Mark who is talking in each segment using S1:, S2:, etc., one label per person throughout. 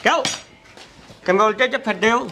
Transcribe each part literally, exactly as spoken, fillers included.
S1: क्यों कंबोलते च फटे हो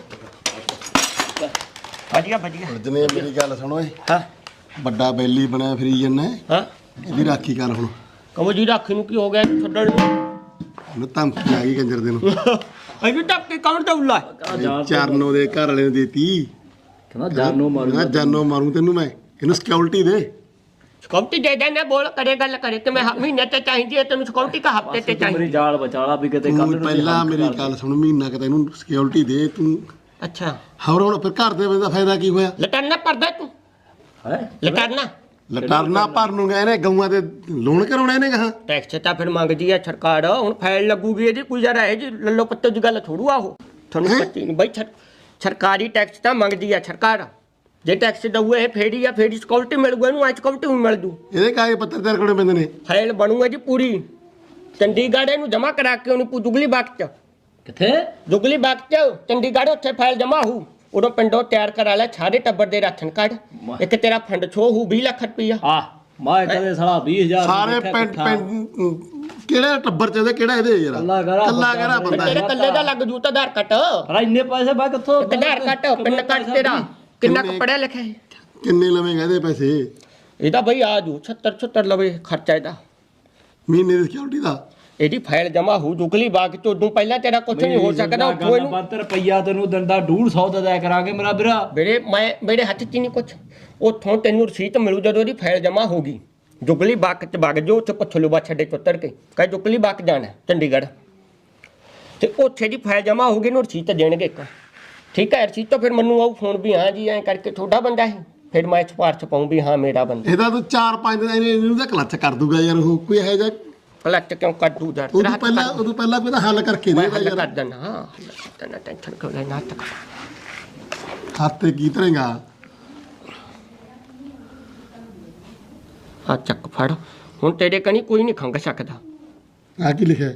S1: बढ़िया बढ़िया
S2: जने मेरी गल सुनो
S1: हाँ
S2: बड़ा बैली बनया फिरी जन्ना
S1: हाँ
S2: ਇਹਦੀ ਰਾਖੀ ਕਰ ਹੁਣ
S1: कहो जी राखी ਨੂੰ ਕੀ ਹੋ ਗਿਆ ਛੱਡਣ ਨੂੰ
S2: ਉਹਨੂੰ ਧਮਕੀ ਆ ਗਈ ਕੰਜਰ ਦੇ ਨੂੰ
S1: ਅਜੀ ਟੱਪ ਕੇ ਕੌਣ ਦਉਲਾ
S2: ਚਰਨੋ ਦੇ ਘਰ ਵਾਲੇ ਨੂੰ ਦੇਤੀ
S3: ਕਹਿੰਦਾ ਜਾਨੋ ਮਾਰੂ
S2: ਮੈਂ ਜਾਨੋ ਮਾਰੂ ਤੈਨੂੰ ਮੈਂ ਇਹਨੂੰ ਸਿਕਿਉਰਿਟੀ ਦੇ
S1: ਸਿਕਿਉਰਿਟੀ ਦੇ ਦੇਣਾ ਬੋਲ ਕਰੇ ਗੱਲ ਕਰੇ ਕਿ ਮੈਂ ਮਹੀਨੇ ਤੇ ਚਾਹੀਦੀ ਹੈ ਤੈਨੂੰ ਸਿਕਿਉਰਿਟੀ ਕਾ ਹਫਤੇ ਤੇ
S3: ਮੇਰੀ
S1: ਚਾਹੀਦੀ
S3: ਜਾਲ ਬਚਾਲਾ ਵੀ ਕਿਤੇ ਕੱਲ
S2: ਤੂੰ
S3: ਨੂੰ
S2: ਪਹਿਲਾਂ ਮੇਰੀ ਗੱਲ ਸੁਣ ਮਹੀਨਾ ਕਿ ਤੈਨੂੰ ਸਿਕਿਉਰਿਟੀ ਦੇ ਤੂੰ
S1: ਅੱਛਾ
S2: ਹੋਰ ਹੁਣ ਫਿਰ ਘਰ ਦੇ ਬੰਦੇ ਦਾ ਫਾਇਦਾ ਕੀ ਹੋਇਆ
S1: ਲਟਰਨਾ ਪਰਦਾ ਤੂੰ
S3: ਹੈ
S1: ਲਟਰਨਾ
S2: ਲਟਰਨਾ ਭਰਨ ਨੂੰ ਗਏ ਨੇ ਗਊਆਂ ਦੇ ਲੋਨ ਕਰਾਉਣੇ ਨੇ ਕਹਾ
S1: ਟੈਕਸ ਤਾਂ ਫਿਰ ਮੰਗਦੀ ਹੈ ਸਰਕਾਰ ਹੁਣ ਫਾਈਲ ਲੱਗੂਗੀ ਇਹਦੀ ਕੋਈ ਜਰਾ ਹੈ ਜੀ ਲੱਲੋ ਪੱਤੇ ਦੀ ਗੱਲ ਥੋੜੂ ਆ ਉਹ ਤੁਹਾਨੂੰ ਪੱਤੀ ਨਹੀਂ ਬਈ ਸਰਕਾਰੀ ਟੈਕਸ ਤਾਂ ਮੰਗਦੀ ਹੈ ਸਰਕਾਰ ਜੇ ਟੈਕਸ ਦਊਏ ਫੇੜੀ ਆ ਫੇੜੀ ਸਿਕਿਉਰਿਟੀ ਮਿਲ ਗਈ ਇਹਨੂੰ ਅੱਜ ਸਿਕਿਉਰਿਟੀ ਵੀ ਮਿਲ ਦੂ
S2: ਇਹਦੇ ਕਾਗਜ਼ ਪੱਤਰ ਤੇਰੇ ਕੋਲ ਪੈਂਦੇ ਨੇ
S1: ਫਾਈਲ ਬਣੂਗਾ ਜੀ ਪੂਰੀ ਚੰਡੀਗੜ੍ਹ ਇਹਨੂੰ ਜਮ੍ਹਾਂ ਕਰਾ ਕੇ ਉਹਨੂੰ ਜੁਗਲੀ ਬਾਗ ਚ
S3: ਕਿੱਥੇ
S1: ਜੁਗਲੀ ਬਾਗ ਚ ਚੰਡੀਗੜ੍ਹ ਉੱਥੇ ਫਾਈਲ ਜਮ੍ਹਾਂ ਹੋਊ ਉਦੋਂ ਪਿੰਡੋਂ ਤਿਆਰ ਕਰਾ ਲੈ ਸਾਰੇ ਟੱਬਰ ਦੇ ਰਾਸ਼ਨ ਕਾਰਡ ਇੱਕ ਤੇਰਾ ਫੰਡ ਛੋ ਹੋਊ ਵੀਹ ਲੱਖ ਰੁਪਈਆ
S3: ਆ ਮੈਂ ਕਦੇ ਸਾਲਾ ਵੀਹ ਹਜ਼ਾਰ
S2: ਸਾਰੇ ਪਿੰਡ ਪਿੰਡ ਕਿਹੜੇ ਟੱਬਰ ਚ ਇਹਦੇ ਕਿਹੜਾ ਇਹਦੇ ਯਾਰ
S3: ਕੱਲਾ ਕਰਾ
S2: ਕੱਲਾ ਕਿਹੜਾ ਬੰਦਾ
S1: ਤੇਰੇ ਕੱਲੇ ਦਾ ਲੱਗ ਜੂ ਤਾਂ ਆਧਾਰ ਕਾਰਡ
S3: ਪਰ ਇੰਨੇ ਪੈਸੇ ਬਾ ਕਿੱਥੋਂ
S1: ਇੱਕ ਆਧਾਰ ਕਾਰਡ ਪਿੰਡ ਕਾਰਡ ਤੇਰਾ ਕਿੰਨਾ ਕੁ ਪੜਿਆ ਲਿਖਿਆ ਹੈ
S2: ਕਿੰਨੇ ਲਵੇਂਗਾ ਇਹਦੇ ਪੈਸੇ
S1: ਇਹਦਾ ਬਈ ਆ ਜੂ ਛੱਤਰ ਛੱਤਰ ਲਵੇ ਖਰਚਾ ਇਹਦਾ
S2: ਮਹੀਨੇ ਦੀ ਸਿਕਿਉਰਿਟੀ ਦਾ
S1: ਇਹਦੀ ਫਾਈਲ ਜਮਾ ਹੋ ਜੁਗਲੀ ਬਾਗ ਚ ਉਦੋਂ ਪਹਿਲਾਂ ਤੇਰਾ ਕੁਝ ਨਹੀਂ ਹੋ ਸਕਦਾ ਉੱਥੋਂ ਇਹਨੂੰ
S3: ਬੰਦ ਰੁਪਈਆ ਤੈਨੂੰ ਦਿੰਦਾ ਡੂਢ ਸੌ ਦਾ ਦਿਆ ਕਰਾਂਗੇ ਮੇਰਾ ਵੀਰਾ
S1: ਮੇਰੇ ਮੈਂ ਮੇਰੇ ਹੱਥ 'ਚ ਨਹੀਂ ਕੁਛ ਉੱਥੋਂ ਤੈਨੂੰ ਰਸੀਦ ਮਿਲੂ ਜਦੋਂ ਇਹਦੀ ਫਾਈਲ ਜਮਾ ਹੋਗੀ ਜੁਗਲੀ ਬਾਗ ਚ ਵਗ ਜੋ ਉੱਥੇ ਪੁੱਛ ਲੂ ਬਾ ਛੱਡੇ ਚੁੱਤਰ ਕੇ ਕਹੇ ਜੁਗਲੀ ਬਾਗ ਜਾਣਾ ਚੰਡੀਗੜ੍ਹ ਤੇ ਉੱਥੇ ਦੀ ਫਾਈਲ ਜਮਾ ਹੋਗੀ ਇਹਨੂੰ ਰਸੀਦ ਦੇਣਗੇ ਇੱਕ ਠੀਕ ਹੈ ਰਸੀਦ ਤੋਂ ਫਿਰ ਮੈਨੂੰ ਆਉ ਫੋਨ ਵੀ ਹਾਂ ਜੀ ਐਂ ਕਰਕੇ ਤੁਹਾਡਾ ਬੰਦਾ ਹੈ ਫਿਰ ਮੈਂ ਸਿਫਾਰਸ਼ ਪਾਉਂ ਵੀ ਹਾਂ ਮੇਰਾ ਬੰਦਾ
S2: ਇਹਦਾ ਤੂੰ ਚਾਰ ਪੰਜ ਦਿਨ ਇਹਨੂੰ ਤਾਂ ਕਲੱਚ ਕਰ ਦੂਗਾ ਯਾਰ ਉਹ ਕੋਈ ਇਹੋ ਜਿਹਾ
S1: ਕਲੈਕਟ ਕਿਉਂ ਕੱਢੂ ਯਾਰ
S2: ਉਦੋਂ ਪਹਿਲਾਂ ਉਦੋਂ ਪਹਿਲਾਂ ਕੋਈ ਹੱਲ ਕਰਕੇ
S1: ਮੈਂ
S2: ਦੇ
S1: ਹੱਲ
S2: ਯਾਰ
S1: ਕਰ ਦਿੰਦਾ ਹਾਂ ਹੱਲ ਕਰ ਦਿੰਦਾ ਟੈਨਸ਼ਨ ਕਿਉਂ ਲੈਣਾ ਤੱਕ
S2: ਹੱਥੇ ਕੀ ਤਰੇਗਾ
S1: ਆ ਚੱਕ ਫੜ ਹੁਣ ਤੇਰੇ ਕਨੀ ਕੋਈ ਨਹੀਂ ਖੰਗ ਸਕਦਾ
S2: ਆ ਕੀ ਲਿਖਿਆ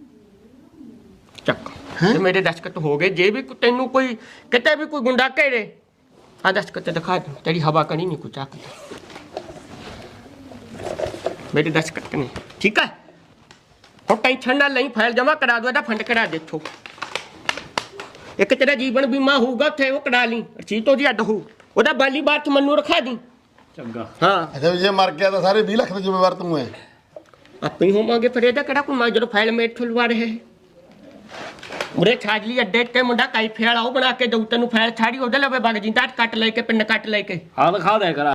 S1: ਚੱਕ
S2: ਹੈਂ?
S1: ਤੇ ਮੇਰੇ ਦਸਖਤ ਹੋ ਗਏ ਜੇ ਵੀ ਕੋ- ਤੈਨੂੰ ਕੋਈ ਕਿਤੇ ਵੀ ਕੋਈ ਗੁੰਡਾ ਘੇਰੇ ਆ ਦਸਖਤ ਦਿਖਾ ਦੂੰ ਤੇਰੀ ਹਵਾ ਕਣੀ ਨਹੀਂ ਕੁਛ ਚੱਕਦਾ ਮੇਰੇ ਦਸਖਤ ਨਹੀਂ ਠੀਕ ਹੈ ਹੁਣ ਟੈਨਸ਼ਨ ਨਾ ਲਈ ਫਾਈਲ ਜਮਾ ਕਰਾ ਦੋ ਇਹਦਾ ਫੰਡ ਕਰਾ ਦੇਖੋ ਇੱਕ ਤੇਰਾ ਜੀਵਨ ਬੀਮਾ ਹੋਊਗਾ ਉੱਥੇ ਉਹ ਕਰਾ ਲਈ ਰਸੀਦ ਉਹਦੀ ਅੱਡ ਹੋਊ ਉਹਦਾ ਬਾਲੀ ਬਾਤ ਮੈਨੂੰ ਰਖਾ ਦੀ
S3: ਚੰਗਾ
S1: ਹਾਂ
S2: ਅੱਛਾ ਜੇ ਮਰ ਗਿਆ ਤਾਂ ਸਾਰੇ ਵੀਹ ਲੱਖ ਦੇ ਜ਼ਿੰਮੇਵਾਰ ਤੂੰ ਹੈ
S1: ਆਪੇ ਹੀ ਹੋਵਾਂਗੇ ਫਿਰ ਇਹਦਾ ਕਿਹੜਾ ਕੋਈ ਮੈਂ ਜਦੋਂ ਫਾਈਲ ਮੇਟ ਖੁਲਵਾ ਰਹੇ ਉਰੇ ਛਾਜਲੀ ਅੱਡੇ ਤੇ ਮੁੰਡਾ ਕਾਈਫੇ ਵਾਲਾ ਉਹ ਬਣਾ ਕੇ ਦਊ ਤੈਨੂੰ ਫਾਈਲ ਛਾੜੀ ਉਹਦੇ ਲਵੇ ਵਗ ਜਿੰਦਾ ਕੱਟ ਲੈ ਕੇ ਪਿੰਨ ਕੱਟ ਲੈ ਕੇ
S3: ਆ ਦਿਖਾ ਦਿਆ ਕਰ